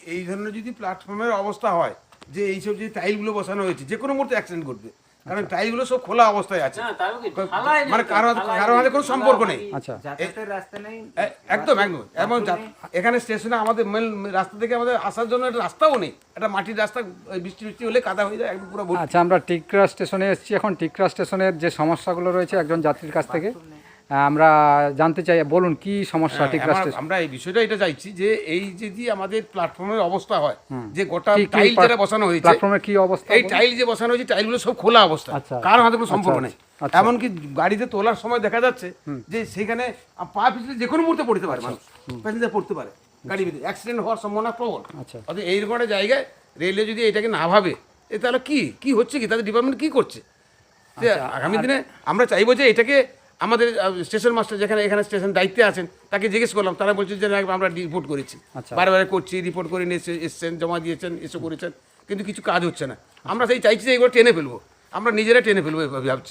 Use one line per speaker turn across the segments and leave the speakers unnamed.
এই ধরনের যদি প্ল্যাটফর্মের অবস্থা হয় যে এইসব যে টাইলগুলো বসানো হয়েছে যে কোনো মুহূর্তে অ্যাক্সিডেন্ট ঘটবে, কারণ টাইলগুলো সব খোলা অবস্থায় আছে, মানে কারো হাতে কোনো সম্পর্ক নেই।
আচ্ছা,
একদম একদম। এবং এখানে স্টেশনে আমাদের মেন রাস্তা থেকে আমাদের আসার জন্য একটা রাস্তাও নেই, একটা মাটির রাস্তা, বৃষ্টি হলে কাদা হয়ে যায় একদম পুরো।
আচ্ছা, আমরা টিকরা স্টেশনে এসেছি এখন। টিকরা স্টেশনের যে সমস্যাগুলো রয়েছে একজন যাত্রীর কাছ থেকে আমরা জানতে চাই, বলুন কি সমস্যা টিকরা স্টেশন?
আমরা এই বিষয়টা এটা চাইছি যে এই যদি আমাদের প্ল্যাটফর্মের অবস্থা হয় যে গোটা টাইল যেটা বসানো হয়েছে,
প্ল্যাটফর্মের কি অবস্থা?
এই টাইল যে বসানো হয়েছে টাইলগুলো সব খোলা অবস্থা, কারোর হাতে কোনো সম্পর্ক নেই। এমনকি গাড়িতে তোলার সময় দেখা যাচ্ছে যে সেখানে পা পিছলে যে কোনো মুহূর্তে পড়তে পারে মানুষ, প্যাসেঞ্জার পড়তে পারে, গাড়ির ভিতরে অ্যাক্সিডেন্ট হওয়ার সম্ভাবনা প্রবল। অর্থাৎ এইরকম একটা জায়গায় রেলওয়ে যদি এটাকে না ভাবে তাহলে কি হচ্ছে, কি তাদের ডিপার্টমেন্ট কি করছে? আগামী দিনে আমরা চাইবো যে এটাকে আমাদের স্টেশন মাস্টার যেখানে এখানে স্টেশন দায়িত্বে আছেন তাকে জিজ্ঞেস করলাম, তারা বলছে যে আমরা রিপোর্ট করেছি, বারে করছি, রিপোর্ট করে নিয়ে এসছেন, জমা দিয়েছেন, এসে করেছেন, কিন্তু কিছু কাজ হচ্ছে না। আমরা সেই চাইছি যে এগুলো টেনে ফেলবো, আমরা নিজেরা টেনে ফেলবো ভাবছি।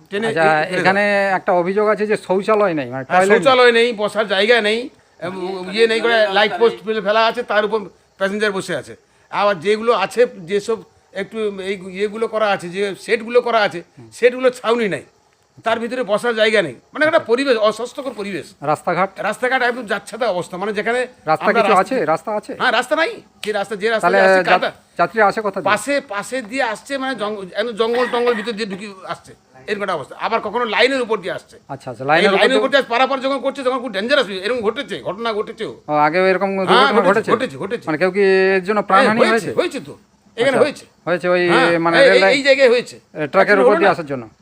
এখানে একটা অভিযোগ আছে যে শৌচালয় নেই, মানে
শৌচালয় নেই, বসার জায়গা নেই, ইয়ে নেই, করে লাইট পোস্ট ফেলা আছে, তার উপর প্যাসেঞ্জার বসে আছে। আবার যেগুলো আছে, যেসব একটু এই ইয়েগুলো করা আছে, যে সেটগুলো করা আছে, সেটগুলো ছাউনি নাই, তার ভিতরে বসার জায়গা নেই, মানে একটা পরিবেশ, অস্বাস্থ্যকর পরিবেশ। রাস্তাঘাট একদম যাচ্ছেটা অবস্থা, মানে যেখানে
রাস্তা আছে,
হ্যাঁ রাস্তা নাই, যে রাস্তা
যাত্রীরা আসে কথা
পাশে দিয়ে আসছে, মানে জঙ্গল টঙ্গল ভিতর দিয়ে ঢুকে আসছে, এরকম একটা অবস্থা। আবার কখনো লাইনের উপর দিয়ে আসছে।
আচ্ছা,
লাইনের উপর দিয়ে পারাপার যখন করছে তখন খুব ডেঞ্জারাস, এরকম ঘটনা ঘটেছে
আগেও, এরকম ঘটেছে, মানে কেউ কি এর জন্য প্রাণহানি
হয়েছে তো এখানে হয়েছে
ওই মানে
এই জায়গায় হয়েছে,
ট্রাকের উপর দিয়ে আসার জন্য,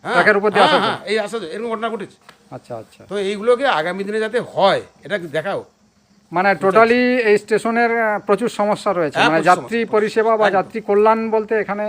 এই আসা এরকম ঘটনা ঘটেছে।
আচ্ছা,
তো এইগুলোকে আগামী দিনে যাতে হয় এটা দেখাও।
মানে টোটালি এই স্টেশনের প্রচুর সমস্যা রয়েছে, মানে যাত্রী পরিষেবা বা যাত্রী কল্যাণ বলতে এখানে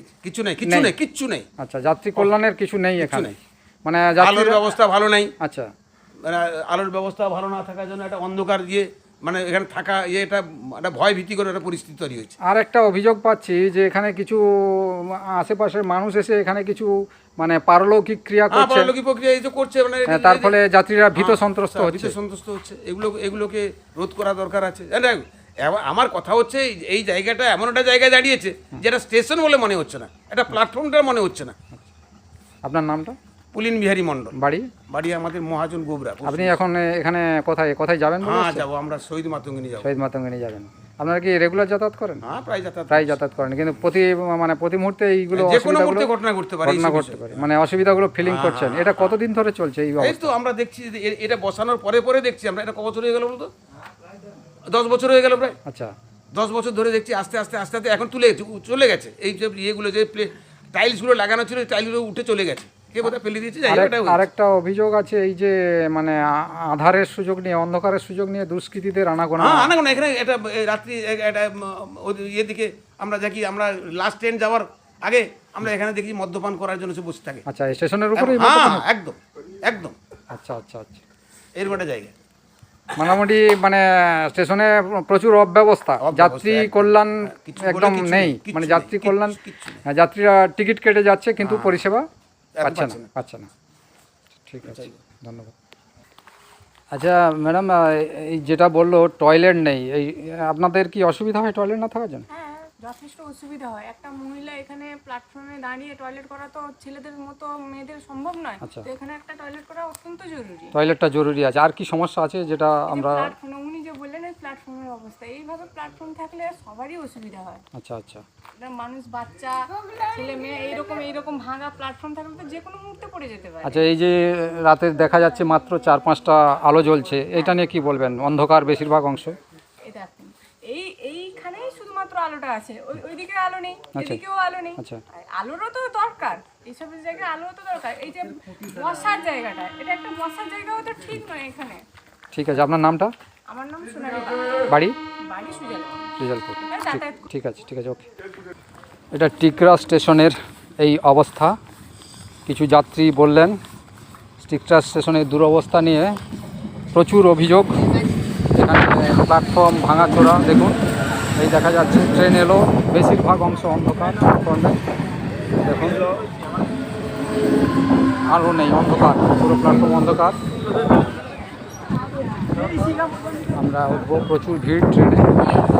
কিচ্ছু নেই।
আচ্ছা, যাত্রী কল্যাণের কিছু নেই এখানে, মানে
আলোর ব্যবস্থা ভালো নেই।
আচ্ছা,
মানে আলোর ব্যবস্থা ভালো না থাকার জন্য একটা অন্ধকার মানে এখানে থাকা এটা একটা ভয় ভীতি করে একটা পরিস্থিতি তৈরি হয়েছে।
আর একটা অভিযোগ পাচ্ছি যে এখানে কিছু আশেপাশের মানুষ এসে এখানে কিছু মানে পারলৌকিক ক্রিয়া করছে,
পারলৌকিক প্রক্রিয়া এই যে করছে, মানে
তার ফলে যাত্রীরা ভীত সন্ত্রস্ত
হচ্ছে। এগুলোকে রোধ করা দরকার আছে। আমার কথা হচ্ছে এই জায়গাটা এমন একটা জায়গায় দাঁড়িয়েছে যেটা স্টেশন বলে মনে হচ্ছে না, এটা প্ল্যাটফর্মটা মনে হচ্ছে না।
আপনার নামটা?
পুলিন বিহারী মণ্ডল।
বাড়ি
আমাদের মহাজন গোবরা।
আপনি এখন এখানে কোথায় যাবেন?
যাবো আমরা শহীদ মাতঙ্গিনী
যাবেন। আপনারা কি রেগুলার যাতায়াত করেন?
প্রায়
যাতায়াত করেন, কিন্তু প্রতি মুহূর্তে এইগুলো
ঘটনা ঘটতে পারে,
মানে অসুবিধাগুলো ফিলিং করছেন। এটা কতদিন ধরে চলছে এই অবস্থা?
এই তো আমরা দেখছি এটা বসানোর পরে দেখছি আমরা, এটা কত বছর হয়ে গেল বলতো? 10 বছর হয়ে গেল প্রায়।
আচ্ছা,
10 বছর ধরে দেখছি আস্তে আস্তে এখন চলে গেছে। এই যে ইয়েগুলো যে টাইলসগুলো লাগানো ছিল, টাইলগুলো উঠে চলে গেছে, কে বোধহয় ফেলে দিয়েছে।
আরেকটা অভিযোগ আছে এই যে মানে আধারের সুযোগ নিয়ে, অন্ধকারের সুযোগ নিয়ে দুষ্কৃতীদের আনাগোনা।
এখানে এটা রাত্রি ইয়ে দিকে আমরা দেখি, আমরা লাস্ট ট্রেন যাওয়ার আগে আমরা এখানে দেখি মদ্যপান করার জন্য বসে থাকে।
আচ্ছা, স্টেশনের উপরেই?
একদম।
আচ্ছা,
এরকম একটা জায়গা
মোটামুটি মানে স্টেশনে প্রচুর অব্যবস্থা, যাত্রী কল্যাণ একদম নেই, মানে যাত্রী কল্যাণ, যাত্রীরা টিকিট কেটে যাচ্ছে কিন্তু পরিষেবা পাচ্ছে না। ঠিক আছে, ধন্যবাদ। আচ্ছা ম্যাডাম, এই যেটা বললো টয়লেট নেই, এই আপনাদের কি অসুবিধা হয় টয়লেট না থাকার জন্য?
যথেষ্ট অসুবিধা হয়। একটা মহিলা এখানে প্ল্যাটফর্মে দাঁড়িয়ে টয়লেট করা তো ছেলেদের মতো মেয়েদের সম্ভব নয়, তো এখানে একটা টয়লেট করা অত্যন্ত জরুরি।
টয়লেটটা জরুরি আছে। আর কি সমস্যা আছে যেটা আমরা
উনি যে বললেন এই প্ল্যাটফর্মের অবস্থা, এইভাবে প্ল্যাটফর্ম থাকলে সবারই অসুবিধা হয়।
আচ্ছা,
মানুষ, বাচ্চা, ছেলে মেয়ে, এইরকম ভাঙা প্ল্যাটফর্ম থাকলে তো যে কোনো মুহূর্তে পড়ে যেতে পারে।
আচ্ছা, এই যে রাতে দেখা যাচ্ছে মাত্র 4-5টা আলো জ্বলছে, এটা নিয়ে কি বলবেন? অন্ধকার বেশিরভাগ অংশ।
এইখানেই শুধুমাত্র আলোটা আছে, ওইদিকে আলো নেই, এদিকেও আলো নেই। আলোরও তো দরকার, এইসব জায়গায় আলোরও তো দরকার। এই যে বসার জায়গাটা, এটা একটা বসার জায়গাও তো ঠিক নয় এখানে।
ঠিক আছে, আপনার নামটা?
আমার নাম সোনালী।
বাড়ি
সুজালপুর।
ঠিক আছে, ওকে। এটা টিকরা স্টেশনের এই অবস্থা। কিছু যাত্রী বললেন টিকরা স্টেশনের দুরবস্থা নিয়ে প্রচুর অভিযোগ। এখানে প্ল্যাটফর্ম ভাঙাচোরা, দেখুন এই দেখা যাচ্ছে ট্রেন এলো, বেশিরভাগ অংশ অন্ধকার প্ল্যাটফর্মে, দেখুন আলো নেই, অন্ধকার, পুরো প্ল্যাটফর্ম অন্ধকার। আমরা উঠবো, প্রচুর ভিড় ট্রেনে।